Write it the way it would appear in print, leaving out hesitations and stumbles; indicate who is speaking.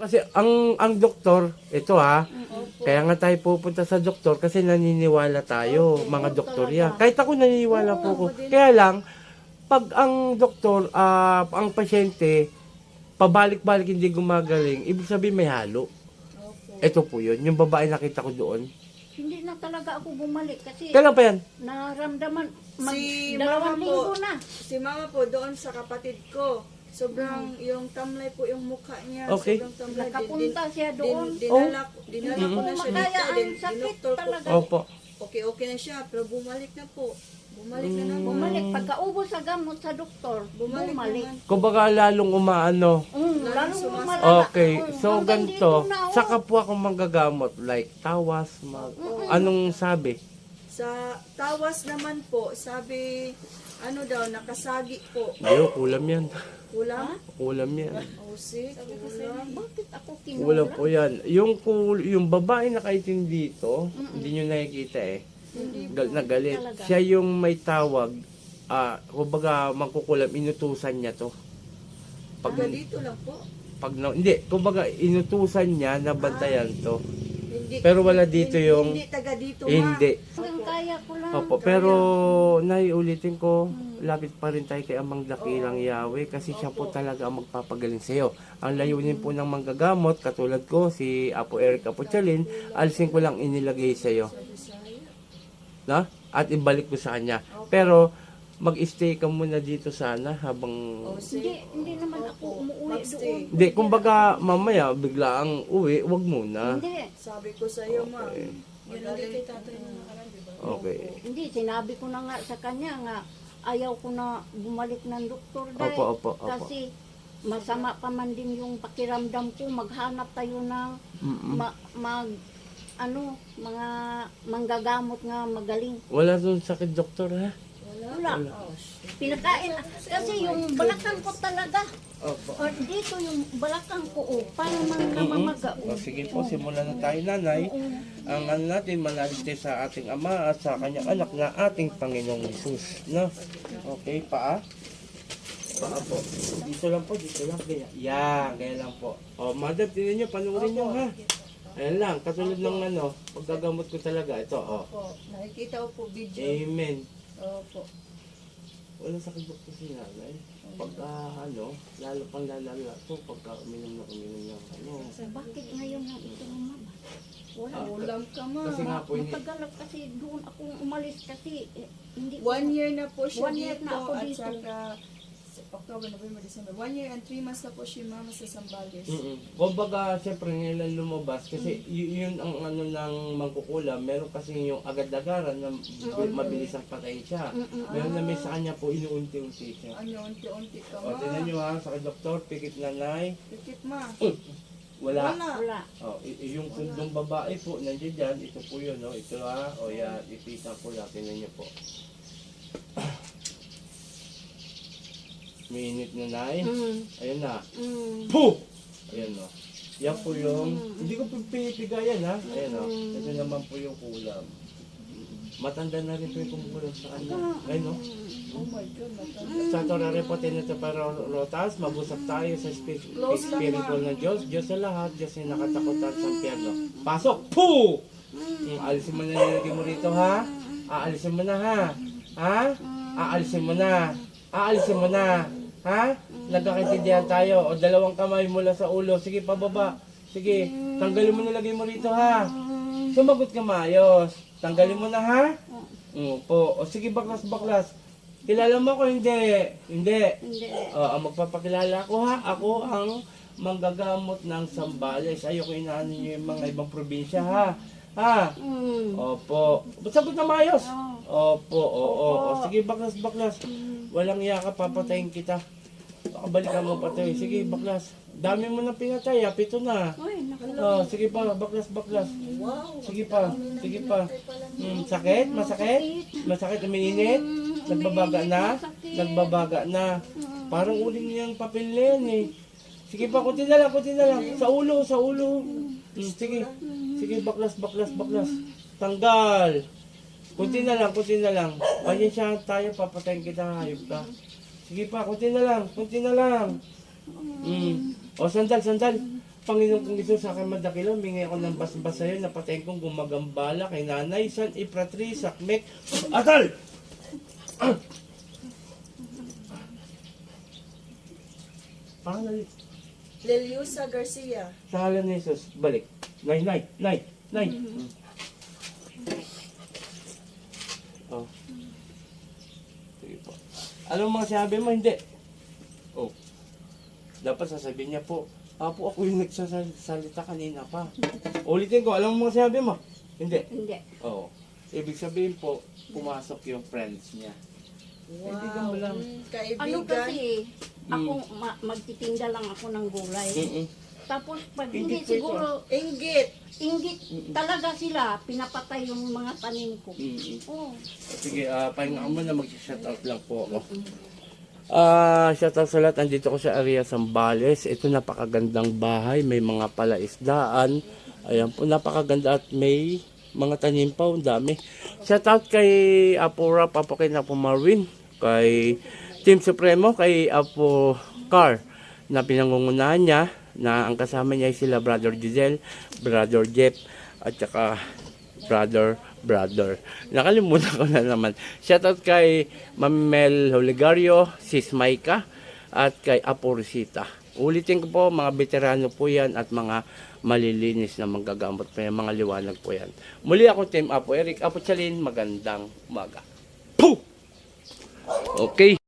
Speaker 1: Kasi ang doktor, ito kaya nga tayo pupunta sa doktor kasi naniniwala tayo, mga doktor yan. Kahit ako naniniwala po ko. Kaya lang, pag ang doktor, ang pasyente, pabalik-balik hindi gumagaling, ibig sabihin may halo. Ito po yun, yung babae nakita ko doon.
Speaker 2: Hindi na talaga ako bumalik kasi
Speaker 1: Kailan pa yan?
Speaker 2: naramdaman
Speaker 3: Si
Speaker 2: dalawang
Speaker 3: mama
Speaker 2: linggo
Speaker 3: po,
Speaker 2: na.
Speaker 3: si mama po doon sa kapatid ko. Sobrang yung tamlay po yung mukha niya.
Speaker 1: Okay.
Speaker 3: Sobrang tamlay.
Speaker 2: Nakapunta siya doon.
Speaker 3: Dinala ko na siya
Speaker 2: Kaya
Speaker 3: dito.
Speaker 2: ang sakit
Speaker 3: Dinoktor ko.
Speaker 2: talaga.
Speaker 1: Opo.
Speaker 3: Okay na siya. Pero bumalik na po. Bumalik na naman.
Speaker 2: Bumalik. Pagkaubos sa gamot sa doktor,
Speaker 3: Bumalik
Speaker 2: bumalik.
Speaker 3: naman.
Speaker 1: Kumbaga lalong umaano.
Speaker 2: Lalong
Speaker 3: sumasakit.
Speaker 2: lumalaga.
Speaker 1: Okay, so
Speaker 2: Hanggang
Speaker 1: ganito,
Speaker 2: dito na, oh.
Speaker 1: saka po ako manggagamot, like tawas, anong sabi?
Speaker 3: Sa tawas naman po, sabi, ano daw, nakasagi po.
Speaker 1: Hindi, kulam yan.
Speaker 3: Kulang?
Speaker 1: Kulam yan.
Speaker 3: Sick, kulang.
Speaker 2: Bakit ako
Speaker 1: Kulam
Speaker 2: kinula?
Speaker 1: po yan. Yung babae nakaitim dito, hindi nyo nakikita nagalit.
Speaker 2: Talaga.
Speaker 1: Siya yung may tawag, kumbaga mangkukulam, inutusan niya to.
Speaker 3: Taga dito lang po.
Speaker 1: Hindi, kumbaga inutusan niya na bantayan to.
Speaker 3: Hindi,
Speaker 1: Pero wala dito yung...
Speaker 3: Hindi taga dito, ma.
Speaker 1: Hindi.
Speaker 2: Hanggang kaya ko lang.
Speaker 1: Opo, pero naiulitin ko, lapit pa rin tayo kay Amang Dakilang Yahweh kasi siya po talaga ang magpapagaling sa iyo. Ang layunin po ng manggagamot, katulad ko, si Apo Eric Apochalin, alisin ko lang inilagay sa iyo. Na? At ibalik ko sa kanya. Pero mag-stay ka muna dito sana habang...
Speaker 2: Hindi naman ako umuwi doon.
Speaker 1: Hindi, kumbaga mamaya bigla ang uwi, wag muna.
Speaker 2: Hindi.
Speaker 3: Sabi ko sa iyo, ma.
Speaker 1: Okay.
Speaker 3: Magaling tatay na nakaraan, di ba?
Speaker 1: Okay.
Speaker 2: Hindi, sinabi ko na nga sa kanya nga, ayaw ko na bumalik ng doktor dahil.
Speaker 1: Opo.
Speaker 2: Kasi masama pa man din yung pakiramdam ko, maghanap tayo ng mga manggagamot nga magaling.
Speaker 1: Wala doon sakit, doktor, ha?
Speaker 2: Wala. Pinakain. Kasi yung balakang ko talaga.
Speaker 1: Opo.
Speaker 2: O dito yung balakang ko, paano man namamaga.
Speaker 1: O, sige po, simulan na tayo, nanay. Ang ano natin, manalig tayo sa ating Ama at sa kanyang anak na ating Panginoong Jesus. No? Okay, paa. Paa po. Dito lang po, dito lang. Ganyan lang po. O, madam, tinan nyo, panurin nyo, ha? Ayan lang, katulad ng paggagamot ko talaga. Ito,
Speaker 3: Opo. Nakikita ko po video.
Speaker 1: Amen.
Speaker 3: Opo.
Speaker 1: Wala sakit doktor si nanay. Pagka, lalo pang lalala po, pagka uminom na,
Speaker 2: Bakit ngayon lang ito lumabas? Wala.
Speaker 3: Ulam ka, ma.
Speaker 1: Kasi nga po,
Speaker 2: Matagal kasi doon akong umalis kasi hindi ko
Speaker 3: 1 year na po siya
Speaker 2: 1 year
Speaker 3: dito.
Speaker 2: na ako
Speaker 3: At
Speaker 2: dito.
Speaker 3: saka, October, November, December. 1 year and 3 months na po si mama sa Zambales.
Speaker 1: Kumbaga, siyempre ngayon lumabas kasi yun ang ng mangkukulam. Meron kasi yung agad-agaran na mabilis ang patay siya. Meron na may sa kanya po inuunti-unti siya.
Speaker 3: Ano, unti-unti ka,
Speaker 1: O,
Speaker 3: ma.
Speaker 1: tinan nyo ha, sa doktor, pikit nanay.
Speaker 3: Pikit, ma.
Speaker 1: Wala.
Speaker 2: wala.
Speaker 1: O, yung kundong babae po, nandiyan dyan, ito po yun, no? Ito ha, o yan, ipita ko lang, tinan nyo po. Minute na nay. Ayun na. Puh! Ayan o. Yan po yung, hindi ko pinipigayan ha. Ayan o. Ito naman po yung kulam. Matanda na rin po yung kumukulam sa kanya. Ayun o.
Speaker 3: Oh my God, matanda.
Speaker 1: Sa Torah repotin ito para rotas, mabusap tayo sa spiritual ng Diyos. Diyos sa lahat, Diyos yung nakatakutan sa impyerno. Pasok! Puh! Aalisin mo na nilagay mo rito ha. Aalisin mo na ha. Ha? Aalisin mo na. Aalisin mo na. Ha? Nagkakaintindihan tayo. O, dalawang kamay mula sa ulo. Sige, pababa. Sige, tanggalin mo na lagay mo rito ha. Sumagot ka maayos. Tanggalin mo na ha. Po. O sige, baklas. Kilala mo ko? Hindi. O, ang magpapakilala ko ha. Ako ang manggagamot ng Zambales. Ayoko inaano nyo yung mga ibang probinsya ha. Ha? Opo. Sagot na maayos. Opo, oo. Sige, baklas. Walang iya ka, papatayin kita. Balikan mo pa to eh. Sige, baklas. Dami mo na pinatay, 7 na. Sige pa, baklas. Sige pa. Sakit? Masakit, umiinit? Nagbabaga na. Parang uling niyang papel na yan eh. Sige pa, kunti na lang. Sa ulo. Sige, baklas. Tanggal. Kunti na lang. Pasensyahan tayo, papatayin kita, hayop ka. Sige pa, kunti na lang. O, sandal. Panginoon kong Isus, sa akin madakila, humingi ako ng basbas sa'yo, napatayin kong gumagambala kay Nanay, San, Ipratri, Sakmek, Atal! Parang nalit.
Speaker 3: Leliusa Garcia.
Speaker 1: Sa halan ni Jesus, balik. Nay. Oh. Sige po. Anong mga sinabi mo? Hindi. Oh. Dapat sasabihin niya po, Apo, ako yung nagsasalita kanina pa. Ulitin ko, alam mo mga sinabi mo? Hindi.
Speaker 2: Hindi.
Speaker 1: Oo. Ibig sabihin po, pumasok yung friends niya. Kaibigan mo lang.
Speaker 3: Kaibigan.
Speaker 2: Ano kasi, ako magtitinda lang ako ng gulay.
Speaker 1: Mm-mm.
Speaker 2: Tapos pag
Speaker 1: Inggit
Speaker 2: hindi
Speaker 1: po ito,
Speaker 2: siguro,
Speaker 3: Inggit.
Speaker 2: inggit talaga sila, pinapatay yung mga tanim ko.
Speaker 1: Mm-mm.
Speaker 2: Oh.
Speaker 1: Sige, pahinga ka muna, mag-shoutout lang po ako. Shoutout sa lahat, andito ko sa area Sambales. Ito napakagandang bahay, may mga palaisdaan. Ayan po, napakaganda at may mga tanim pa, ang dami. Shoutout kay Apo Rap, Apo kay Apo Marwin, kay Team Supremo, kay Apo Car, na pinangungunahan niya, na ang kasama niya ay sila Brother Giselle, Brother Jeff, at saka Brother. Nakalimutan ko na naman. Shoutout kay Ma'am Mel Holigario, Sis Maika, at kay Apo Rosita. Ulitin ko po, mga veterano po yan at mga malilinis na manggagamot po yan, mga liwanag po yan. Muli ako, Team Apo Eric, Apo Chalin, magandang umaga. Puh! Okay.